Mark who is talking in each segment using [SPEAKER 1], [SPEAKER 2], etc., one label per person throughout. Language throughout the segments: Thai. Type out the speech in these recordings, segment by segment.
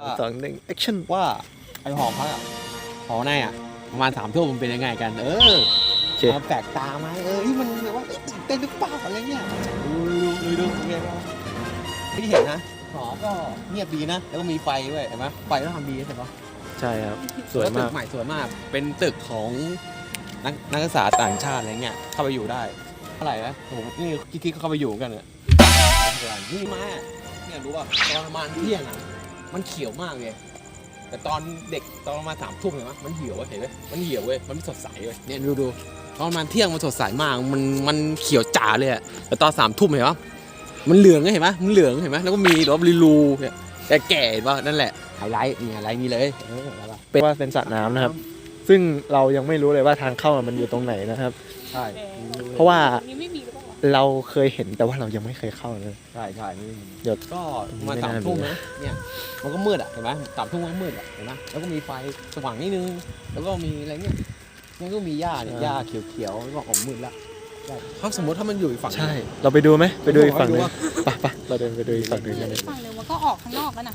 [SPEAKER 1] 2 1 action
[SPEAKER 2] ว่าไอหอพักอ่ะหอในอ่ะประมาณ3 ทุ่มมันเป็นยังไงกัน
[SPEAKER 1] โอเค
[SPEAKER 2] มาแปลกตาไหมที่มันแบบว่าตื่นเต้นหรือเปล่าอะไรเงี้ยดูโอเคป่ะที่เห็นนะหอก็เงียบดีนะแล้วก็มีไฟด้วยเห็นไหมไฟต้องทำดีใช่ปะ
[SPEAKER 1] ใช่ครับสวยมาก
[SPEAKER 2] ตึกใหม่สวยมากเป็นตึกของนักศึกษาต่างชาติอะไรเงี้ยเข้าไปอยู่ได้เท่าไหร่นะผมนี่คิดเข้าไปอยู่กันเนี่ยนี่มาเนี่ยรู้ป่ะตอนประมาณเที่ยงอ่ะมันเขียวมากเลยแต่ตอนเด็กตอนประมาณ3 ทุ่มเห็นไหมมันเหี่ยวเห็นไหมมันเหี่ยวเว้ยมันไม่สดใสเว้ยเนี่ยดูตอนประมาณเที่ยงมันสดใสมากมันเขียวจ๋าเลยอะแต่ตอน3 ทุ่มเห็นปะมันเหลืองเห็นไหมมันเหลืองเห็นไหมแล้วก็มีรอบรูเนี่ยแก่ๆป่ะนั่นแหละไฮไลท์นี่ไฮไลท์นี่เลย
[SPEAKER 1] เป็นว่าเป็นสระน้ำนะครับซึ่งเรายังไม่รู้เลยว่าทางเข้ามันอยู่ตรงไหนนะครับ
[SPEAKER 2] ใช่
[SPEAKER 1] เพราะว่า
[SPEAKER 3] ไม่มีหรือเปล่า
[SPEAKER 1] เราเคยเห็นแต่ว่าเรายังไม่เคยเข้าเลย
[SPEAKER 2] ใช่
[SPEAKER 1] เดี๋ยว
[SPEAKER 2] ก็มา3 ทุ่มนะเนี่ยมันก็มืดอ่ะเห็นไหม3 ทุ่มมันมืดอ่ะเห็นไหมแล้วก็มีไฟสว่างนิดนึงแล้วก็มีอะไรเงี้ยมันก็มีหญ้าเนี่ยหญ้าเขียวๆแล้วก็ออกมืดแล้วถ้าสมมติถ้ามันอยู่อีกฝั่ง
[SPEAKER 1] ใช่เราไปดูไหมไปดูอีกฝั่งนึงไปเราเดินไปดูอีกฝั่งนึงกันเลย
[SPEAKER 3] ฝั่งหนึ่งมันก็ออกข้างนอกแล้วนะ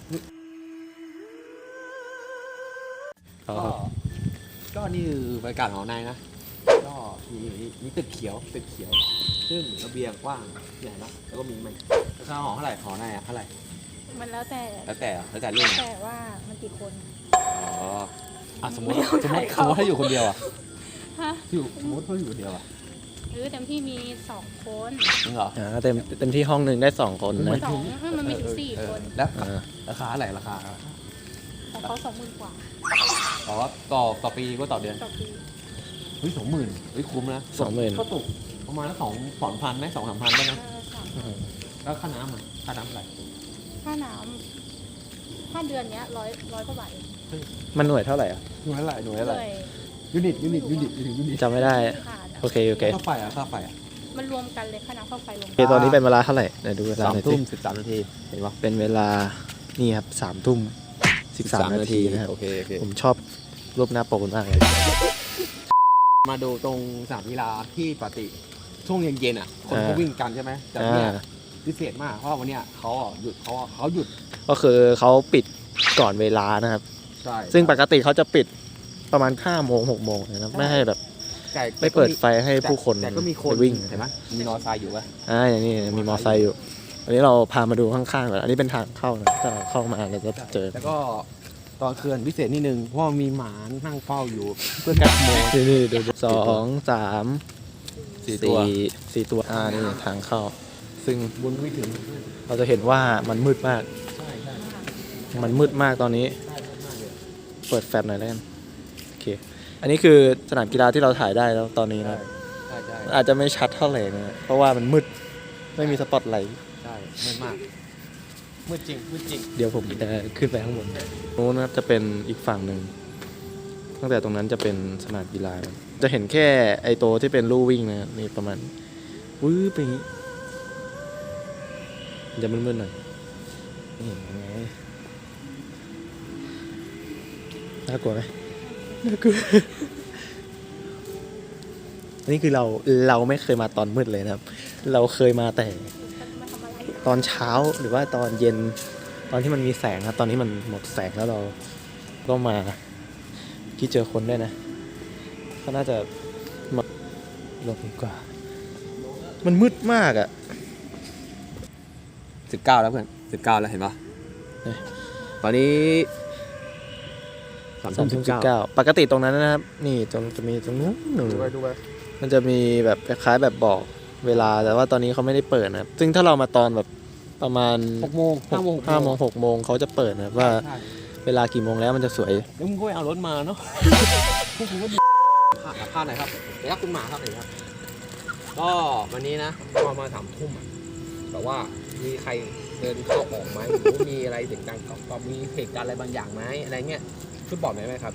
[SPEAKER 2] ก็นี่คือบรรยากาศหอในนะก็มีตึกเขียวซึ่งระเบียงกว้างใหญ่นะแล้วก็มีมันราคาหอเท่าไหร่หอในอ่ะเท่าไหร่
[SPEAKER 3] มันแล้วแต่
[SPEAKER 2] เรื่อง
[SPEAKER 3] แต่ว่ามันกี่คน
[SPEAKER 2] สมมติถ้าอยู่คนเดียวอ่ะสมมติถ้าอยู่คนเดียวอ่ะ
[SPEAKER 3] เต็มที่มี2 คน
[SPEAKER 2] จริงเหรอ
[SPEAKER 1] เต็มที่ห้องหนึ่งได้2 คนนะ
[SPEAKER 3] 2มันมีถึง4 คน
[SPEAKER 2] แล้วราคาอะไรราคา
[SPEAKER 3] ของเขา20,000 กว่า
[SPEAKER 2] ต่อปีก็ต่อเดือน
[SPEAKER 3] ต่อปี
[SPEAKER 2] เฮ้ย20,000เฮ้ยคุ้มนะ
[SPEAKER 1] 20,000
[SPEAKER 2] ก็ตกประมาณ2,000ไหม2-3,000ได้ไหมแล้วค่าน้ำอะไร
[SPEAKER 3] ค่าน้ำถ้าเดือนนี้100 กว่าบาท
[SPEAKER 1] มันหน่วยเท่าไหร่อ่ะ
[SPEAKER 2] หน่วยอะไรยูนิต
[SPEAKER 1] จำไม่ได้โอเค
[SPEAKER 2] ค่าไฟ
[SPEAKER 3] มันรวมกันเลยค่าน้ำค่าไฟรวม
[SPEAKER 1] โอเคตอนนี้เป็นเวลาเท่าไหร่เดี๋ยวดูเวลาหน่อยสิ
[SPEAKER 2] 3:13 นาทีเห็นปะ
[SPEAKER 1] เป็นเวลานี่ครับ3:13 นาทีนะครับ
[SPEAKER 2] โอเค
[SPEAKER 1] ผมชอบรูปหน้าปกมากเลย
[SPEAKER 2] มาดูตรงสนามกีฬาที่ปกติช่วงเย็นๆอ่ะคนเขาวิ่งกันใช่ไหมแต่เนี่ยพิเศษมากเพราะวันนี้เขาหยุด
[SPEAKER 1] ก็คือเขาปิดก่อนเวลานะครับ
[SPEAKER 2] ใช่
[SPEAKER 1] ซึ่งปกติเขาจะปิดประมาณ5 โมง 6 โมงนะครับไม่ให้แบบไม่เปิดไฟให้ผู้คน
[SPEAKER 2] แต่ก็มีคน
[SPEAKER 1] วิ่ง
[SPEAKER 2] เห็นไหมมีมอเตอร์ไซค์อยู่ป่ะ
[SPEAKER 1] อย่างนี้มีมอเตอร์ไซค์อยู่อันนี้เราพามาดูข้างๆก่อนอันนี้เป็นทางเข้านะถ้าเข้ามาเราจะเจอ
[SPEAKER 2] แล้วก็ตอนคืนพิเศษนิดนึงเพราะมีหมานั่งเฝ้าอยู่เพื่อกัดโม
[SPEAKER 1] นี่ดู2 3 4 ตัวนี่ทางเข้าซึ่ง
[SPEAKER 2] บนไม่ถึง
[SPEAKER 1] เราจะเห็นว่ามันมืดมากมันมืดมากตอนนี้เปิดแฟลชหน่อยแล้วกันโอเคอันนี้คือสนามกีฬาที่เราถ่ายได้แล้วตอนนี้นะอาจจะไม่ชัดเท่าไหร่นะเพราะว่ามันมืดไม่มีสปอตไลท์
[SPEAKER 2] ใช่มืดมากมืดจริง
[SPEAKER 1] เดี๋ยวผมจะขึ้นไปข้างบนนู้นนะครับจะเป็นอีกฝั่งหนึ่งตั้งแต่ตรงนั้นจะเป็นสนามกีฬาจะเห็นแค่ไอโตที่เป็นลู่วิ่งนะนี่ประมาณวื้อไปอย่างนี้จะมืดๆหน่อยนี่ไงน่ากลัวไหมน่ากลัวอันนี้คือเราไม่เคยมาตอนมืดเลยนะครับเราเคยมาแต่ตอนเช้าหรือว่าตอนเย็นตอนที่มันมีแสงครับตอนนี้มันหมดแสงแล้วเราก็มาที่เจอคนด้วยนะเขาน่าจะมาลงดีกว่ามันมืดมากอ่ะ
[SPEAKER 2] 19แล้วเพื่อน19แล้วเห็นปะตอนนี้
[SPEAKER 1] 3:19ปกติตรงนั้นนะครับนี่จะมีตรงนู้นดูไปมันจะมีแบบคล้ายๆแบบบอกเวลาแต่ว่าตอนนี้เขาไม่ได้เปิดนะครับซึ่งถ้าเรามาตอนแบบประมาณ
[SPEAKER 2] 6 โมง 5 โมง
[SPEAKER 1] 6 โมงเขาจะเปิดนะครับว่าเวลากี่โมงแล้วมันจะสวย
[SPEAKER 2] แล้วมึงก็ไปเอารถมาเนาะพวกคุณก็พาไหนครับเดี๋ยวคุณหมาครับเห็นครับก็วันนี้นะประมาณ3 ทุ่มแต่ว่ามีใครเดินเข้าออกไหมหรือมีอะไรเสียงดังก็มีเหตุการณ์อะไรบางอย่างไหมอะไรเงี้ยช่วยบอกหน่อยไหมครับ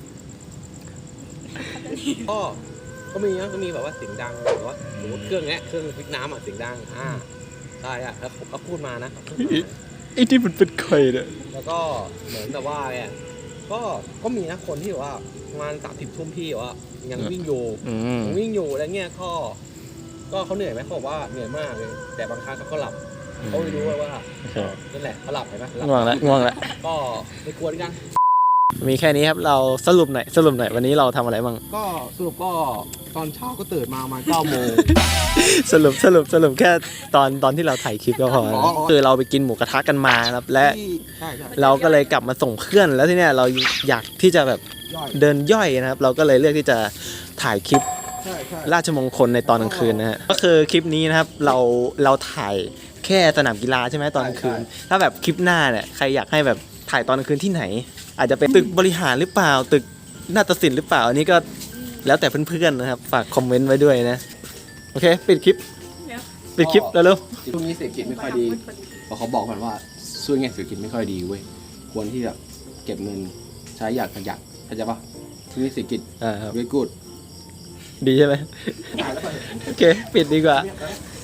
[SPEAKER 2] ก็มีแบบว่าเสียงดังแบบว่าสมมติเครื่องพลิกน้ำเสียงดังใช่แล้วก็พูดมานะ
[SPEAKER 1] ไอ้ที่มันเป็นใครเนี่ย
[SPEAKER 2] แล้วก็เหมือนแต่ว่าเนี่ยก็มีนะคนที่แบบว่าประมาณ30 ทุ่มพี่ว่ายังวิ่งอยู่อะไรเงี้ยก็เขาเหนื่อยไหมเขาบอกว่าเหนื่อยมากเลยแต่บางครั้งเขาก็หลับเขาไม่รู้ว่านั่นแหละเขาหลับเห็นไหม
[SPEAKER 1] ง่วงแล้ว
[SPEAKER 2] ก็ไม่กวนกัน
[SPEAKER 1] มีแค่นี้ครับเราสรุปหน่อยวันนี้เราทำอะไรบ้าง
[SPEAKER 2] ก็สรุปก็ตอนเช้าก็ตื่นมาประมาณ9 โมง
[SPEAKER 1] สรุปแค่ตอนที่เราถ่ายคลิปก็พอ
[SPEAKER 2] อ๋อ
[SPEAKER 1] คือเราไปกินหมูกระทะกันมาครับและ
[SPEAKER 2] ใช่
[SPEAKER 1] เราก็เลยกลับมาส่งเพื่อนแล้วที่เนี้ยเราอยากที่จะแบบ
[SPEAKER 2] ย่อย
[SPEAKER 1] เดินย่อยนะครับ เราก็เลยเลือกที่จะถ่ายคลิป
[SPEAKER 2] ใช่
[SPEAKER 1] ราชมงคลในตอนกลางคืนนะฮะก็คือคลิปนี้นะครับเราถ่ายแค่สนามกีฬาใช่ไหมตอนกลางคืน ถ้าแบบคลิปหน้าเนี่ยใครอยากให้แบบถ่ายตอนกลางคืนที่ไหน อาจจะเป็นตึกบริหารหรือเปล่าตึกนาฏศิลป์หรือเปล่าอันนี้ก็แล้วแต่เพื่อนๆนะครับฝากคอมเมนต์ไว้ด้วยนะโอเคปิดคลิปแล้วเร็ว
[SPEAKER 2] ช่วงนี้เศรษฐกิจไม่ค่อยดีเพราะเขาบอกกันว่าช่วงนี้เศรษฐกิจไม่ค่อยดีเว้ยควรที่จะเก็บเงินใช้อย่างประหยัดเข้าใจปะช่วงนี้เศรษฐกิจ
[SPEAKER 1] ครับ
[SPEAKER 2] very good
[SPEAKER 1] ดีใช่ไหมโอเคปิดดีกว่า
[SPEAKER 2] เ